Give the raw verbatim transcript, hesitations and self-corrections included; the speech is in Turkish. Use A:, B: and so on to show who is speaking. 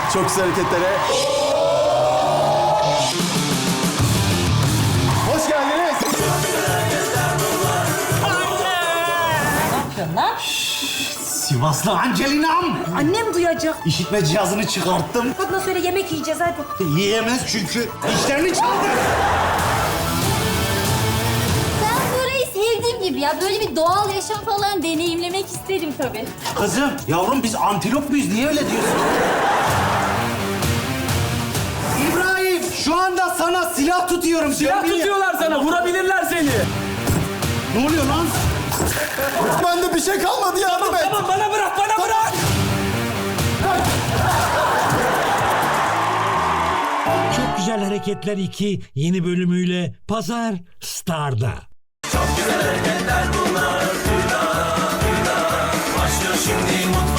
A: Çok güzel hareketlere. Hoş geldiniz.
B: Ne yapıyorsun lan?
C: Sivaslı Angelina'm.
B: Annem duyacak.
C: İşitme cihazını çıkarttım.
B: Kadına söyle yemek yiyeceğiz hadi.
C: Yiyemez çünkü işlerini çaldı.
D: Ben burayı sevdiğim gibi ya. Böyle bir doğal yaşam falan deneyimlemek isterim tabii.
C: Kızım, yavrum biz antilop muyuz? Niye öyle diyorsun? İbrahim, şu anda sana silah tutuyorum.
E: Silah
C: Sen niye-
E: tutuyorlar sana, vurabilirler seni.
C: Ne oluyor lan?
A: Bende bir şey kalmadı, yardım et.
E: Tamam, bana bırak, bana bırak.
F: Çok Güzel Hareketler iki yeni bölümüyle Pazar Star'da.
G: Çok güzel hareketler bunlar. Başlıyor şimdi mutlu.